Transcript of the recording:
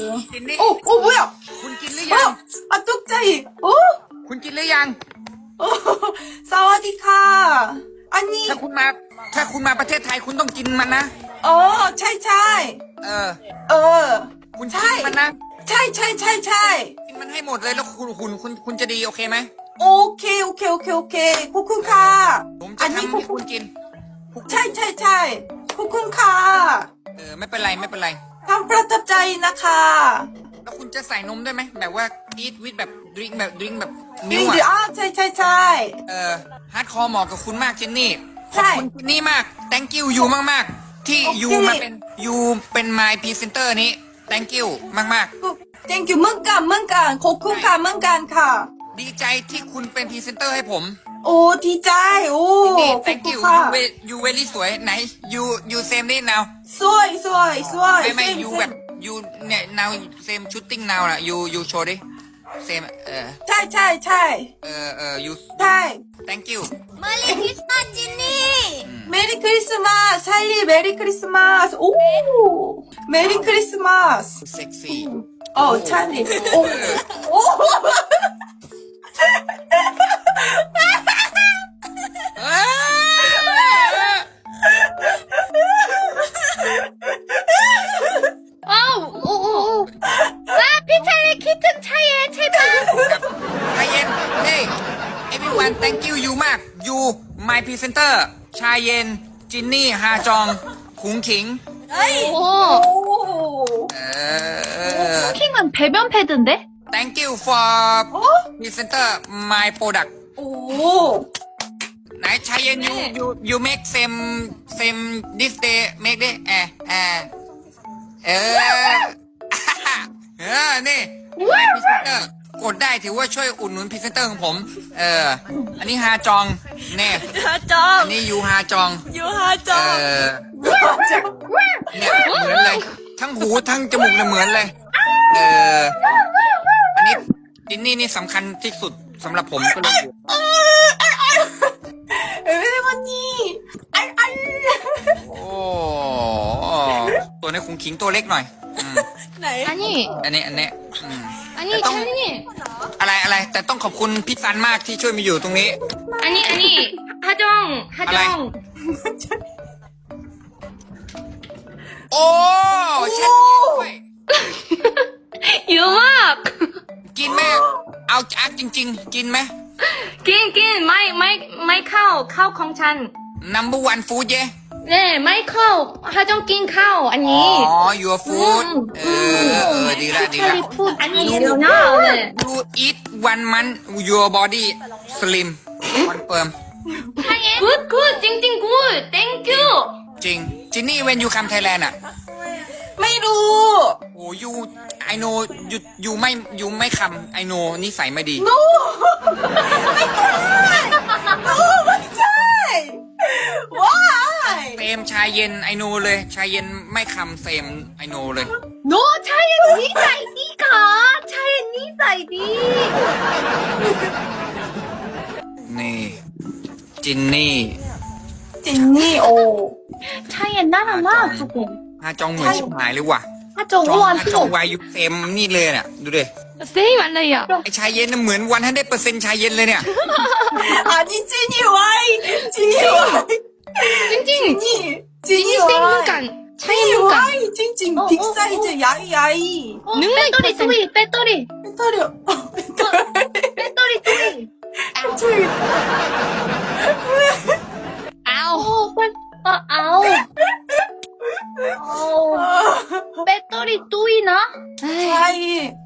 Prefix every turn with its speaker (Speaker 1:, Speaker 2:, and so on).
Speaker 1: กินนี่
Speaker 2: 오, 뭐야?
Speaker 1: คุณกินหรือยัง
Speaker 2: 아, 뚝짜이. 어?
Speaker 1: คุณกินหรือยัง
Speaker 2: 어, 사와디카. 아니,
Speaker 1: ถ้าคุณมาประเทศไทยคุณต้องกินมันนะ
Speaker 2: 차이차이.
Speaker 1: เออ
Speaker 2: 어,
Speaker 1: คุณกินมันนะ
Speaker 2: 차이.
Speaker 1: กินมันให้หมดเลยแล้วคุณจะดีโอเคไหม
Speaker 2: 오케이. 코쿤카.
Speaker 1: ผมจะทำให้คุณกิน
Speaker 2: 차이. 코쿤카.
Speaker 1: ไม่เป็นไรไม่เป็นไร
Speaker 2: 탐프라탑짜이 나카.
Speaker 1: แล้วคุณจะใส่นมได้ไหมแบบว่า eat with แบบ drink แบบมิล
Speaker 2: 윙드,
Speaker 1: อ่ะ
Speaker 2: 차이.
Speaker 1: ฮาร์ดคอร์เหมาะกับคุณมากเจนนี่ข
Speaker 2: ใช่
Speaker 1: อบคุณเจนนี่มาก thank you ยูมากๆที่
Speaker 2: โอเค
Speaker 1: ยูมาเป็นยูเป็น my presenter นี้ thank you มาก
Speaker 2: 땡큐, 문간. 코쿤카, 문간카.
Speaker 1: ๆดีใจที่คุณเป็นพรีเซนเตอร์ให้ผม
Speaker 2: 오, 디자이.
Speaker 1: นี่
Speaker 2: 오,
Speaker 1: thank you
Speaker 2: 코쿤카.
Speaker 1: you very สวยไหน you same นี่ now
Speaker 2: 수아이.
Speaker 1: ไม่
Speaker 2: 쌤,
Speaker 1: ยู
Speaker 2: 쌤.
Speaker 1: แบบ you เนี่ย now same shooting now น่ะ you show ดิ same
Speaker 2: 차이.
Speaker 1: you
Speaker 2: 차이.
Speaker 1: thank you
Speaker 3: 멀리 크리스마스 찐니.
Speaker 2: 메리 크리스마스. 살리 메리 크리스마스. 오, 메리 크리스마스.
Speaker 1: sexy
Speaker 2: 찰리. 오.
Speaker 3: 오. 와, 피차리 키튼 차에 제발.
Speaker 1: ใจเย็นเฮ้ย everyone thank you ยูมาก you my presenter ชาเย็น จินนี่ ฮาจอง ขุงขิง
Speaker 3: 오.
Speaker 2: 오.
Speaker 3: 킹은 배변 패드인데?
Speaker 1: thank you for presenter my product
Speaker 2: 오.
Speaker 1: ไหนชาเย็น you make same this day make ดินี่ my presenter กดได้ถือว่าช่วยอุดหนุนพรีเซนเตอร์ของผม อันนี้ฮาจองเนี่ย
Speaker 2: 하정.
Speaker 1: อันนี้ยูฮาจอง
Speaker 2: 유하정.
Speaker 1: เนี่ยเหมือนเลย ทั้งหูทั้งจมูกเนี่ยเหมือนเลย อันนี้จินนี่นี่สำคัญที่สุดสำหรับผมก็เลย
Speaker 2: 에베레모니. 알.
Speaker 1: โอ้ตัวนี้คงขิงตัวเล็กหน่อย
Speaker 3: 아니,
Speaker 1: อันนี้
Speaker 3: 아니,
Speaker 1: 똥.
Speaker 3: 찰리.
Speaker 1: อะไรแต่ต้องขอบคุณพี่ซันมากที่ช่วยมาอยู่ตรงนี้
Speaker 3: 아니, 하정.
Speaker 1: โอ้เช็ดด้วย
Speaker 3: 유막.
Speaker 1: กินไหมเอาจักจริงๆ กินไหม
Speaker 3: 낀, 마이 카오 공찬.
Speaker 1: number one food เย่
Speaker 3: 네, 마이 카오, 하정 낀 카오,
Speaker 1: อ๋
Speaker 3: 아니.
Speaker 1: อ your food ดีละ
Speaker 3: 찰리 푸, 아니, 이러나? 네.
Speaker 1: you eat 1 month your body slim confirm
Speaker 3: 굿, 찡찡 굿, 땡큐.
Speaker 1: จริงจินนี่ when you come Thailand อ่ะ
Speaker 2: 메루.
Speaker 1: โอ้ you I know you ไม่คำ I know นิสัยไม่ดี
Speaker 2: No. 차이. Why?
Speaker 1: เฟมชายเย็น I know เลยชายเย็นไม่คำเฟม I know เลย
Speaker 3: 너 차례 니사이디가. 차례 니사이디.
Speaker 1: นี่จินนี่
Speaker 2: 찐니. 오.
Speaker 3: 차례 나랑 나 조금.
Speaker 1: ฮาจองเหมือนชิบหายเลยว่ะ
Speaker 3: 하정
Speaker 1: จอง
Speaker 3: 우한
Speaker 1: ฮาจอง
Speaker 3: 또.
Speaker 1: วายุเฟมนี่เลยน่ะดูดิ
Speaker 3: 세임 알레야.
Speaker 1: ไอชายเย็นน่ะเหมือน100% ชายเย็นเลยเนี่ย
Speaker 2: 아니, 찐이 와이. 찐이 와이.
Speaker 3: 찡찡.
Speaker 2: 찐이. 찐이 와이.
Speaker 3: 생물간. 차례
Speaker 2: 찐이
Speaker 3: 물간.
Speaker 2: 와이. 찡찡. 빅사이즈 야이.
Speaker 3: 배터리 소리, 배터리.
Speaker 2: 배터리.
Speaker 3: 배터리 소리.
Speaker 2: 저기.
Speaker 3: 아우. 아우. 아우. 배터리 또이나?
Speaker 2: 차이.